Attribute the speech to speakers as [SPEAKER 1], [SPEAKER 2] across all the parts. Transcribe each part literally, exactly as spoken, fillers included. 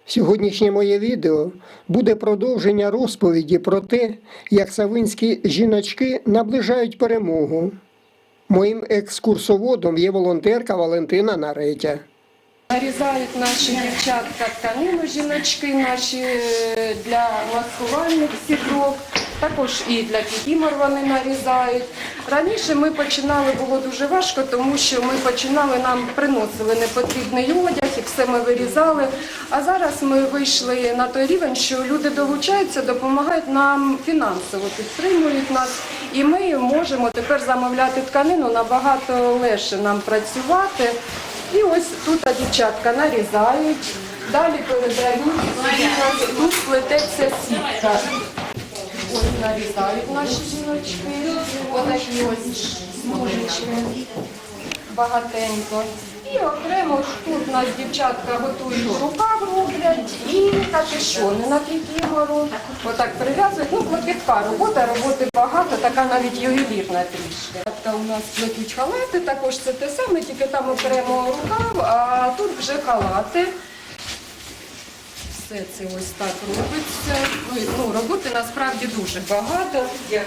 [SPEAKER 1] Сьогоднішнє моє відео буде продовження розповіді про те, як савинські жіночки наближають перемогу. Моїм екскурсоводом є волонтерка Валентина Наретя.
[SPEAKER 2] Нарізають наші дівчатка тканину, жіночки наші для маскувальних сіток, також і для кікімор вони нарізають. Раніше ми починали, було дуже важко, тому що ми починали, нам приносили непотрібний одяг і все ми вирізали. А зараз ми вийшли на той рівень, що люди долучаються, допомагають нам фінансово, підтримують нас. І ми можемо тепер замовляти тканину, набагато легше нам працювати. І ось тут дівчатка нарізають, далі передають, тут плететься сітка. Ось нарізають наші жіночки, отакі ось смужечки, багатенько. І окремо ж тут у нас дівчатка готують рукав, роблять і капюшони на кікімору. Отак прив'язують. Ну, клопітка робота, роботи багато, така навіть ювелірна трішки. У нас плетуть халати, також це те саме, тільки там окремо рукав, а тут вже халати. Все це ось так робиться. Ну, роботи насправді дуже багато.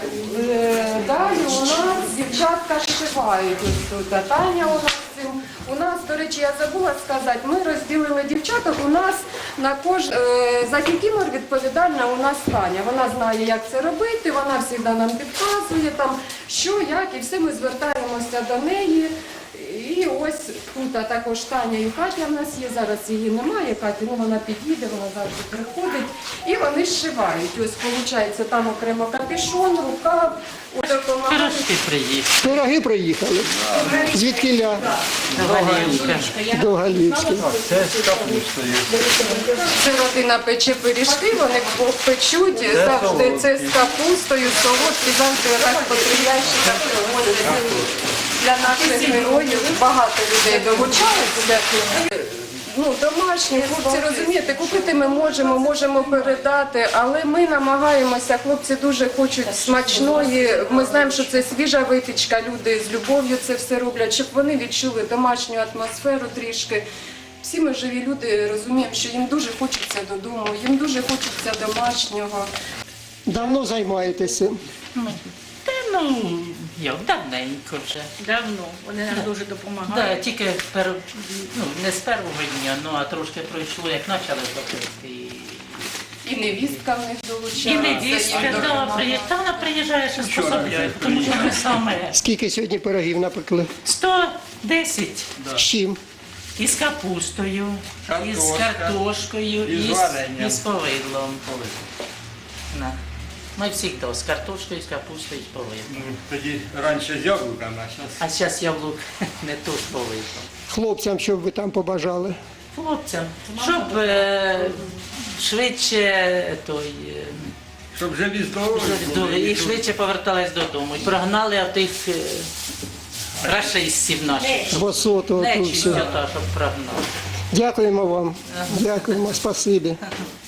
[SPEAKER 2] Далі у нас дівчатка шивають. Ось тут Таня у нас цим. У нас, до речі, я забула сказати, ми розділили дівчаток, у нас на кож... за кікімор відповідальна у нас Таня. Вона знає, як це робити, вона завжди нам підказує, там, що, як, і все ми звертаємося до неї. І ось тут також Таня і Катя в нас є, зараз її немає, Катя, ну вона під'їде, вона завжди приходить. І вони зшивають. Ось, виходить, там окремо капюшон, рукав.
[SPEAKER 3] Пирожки приїхали.
[SPEAKER 1] Пироги приїхали. Звідкіля?
[SPEAKER 3] До Галівки.
[SPEAKER 1] До Галівки.
[SPEAKER 4] Це з капустою.
[SPEAKER 2] Це родина пече пиріжки, вони печуть завжди це з капустою, солодкі, завжди так по три ящика привозять. Для наших героїв багато людей долучаються. Ну, домашні, хлопці, розумієте, купити ми можемо, можемо передати, але ми намагаємося, хлопці дуже хочуть смачної, ми знаємо, що це свіжа випічка, люди з любов'ю це все роблять, щоб вони відчули домашню атмосферу трішки. Всі ми живі люди розуміємо, що їм дуже хочеться додому, їм дуже хочеться домашнього.
[SPEAKER 1] Давно займаєтеся?
[SPEAKER 3] Та ну, як, давненько вже.
[SPEAKER 5] Давно. Вони нам дуже допомагають.
[SPEAKER 3] Да, тільки пер, ну, не з першого дня, ну, а трошки пройшло, як почали платити.
[SPEAKER 2] І невістка в них долучається.
[SPEAKER 3] І невістка,
[SPEAKER 2] їм
[SPEAKER 3] да,
[SPEAKER 2] допомагає.
[SPEAKER 3] приїжджає. Та вона приїжджає, що способляє, тому що ми саме
[SPEAKER 1] Скільки сьогодні пирогів напекли?
[SPEAKER 3] сто десять
[SPEAKER 1] З чим?
[SPEAKER 3] із капустою, із
[SPEAKER 4] Картошка,
[SPEAKER 3] картошкою,
[SPEAKER 4] із
[SPEAKER 3] із,
[SPEAKER 4] варенням.
[SPEAKER 3] із повидлом. На. Ми завжди з картошкою, з капустою, з повидлом.
[SPEAKER 4] Ну, тоді раніше з яблуками, а зараз
[SPEAKER 3] А зараз яблук не то з повидлом.
[SPEAKER 1] Хлопцям, що б ви там побажали?
[SPEAKER 3] Хлопцям, щоб е, швидше той, е,
[SPEAKER 4] щоб живі здорові
[SPEAKER 3] до-
[SPEAKER 4] були.
[SPEAKER 3] і швидше повертались додому. І прогнали тих е, рашистів наших.
[SPEAKER 1] Двосотого тут
[SPEAKER 3] Нечистя
[SPEAKER 1] все.
[SPEAKER 3] та, щоб прогнали.
[SPEAKER 1] Дякуємо вам. Дякуємо, спасибі.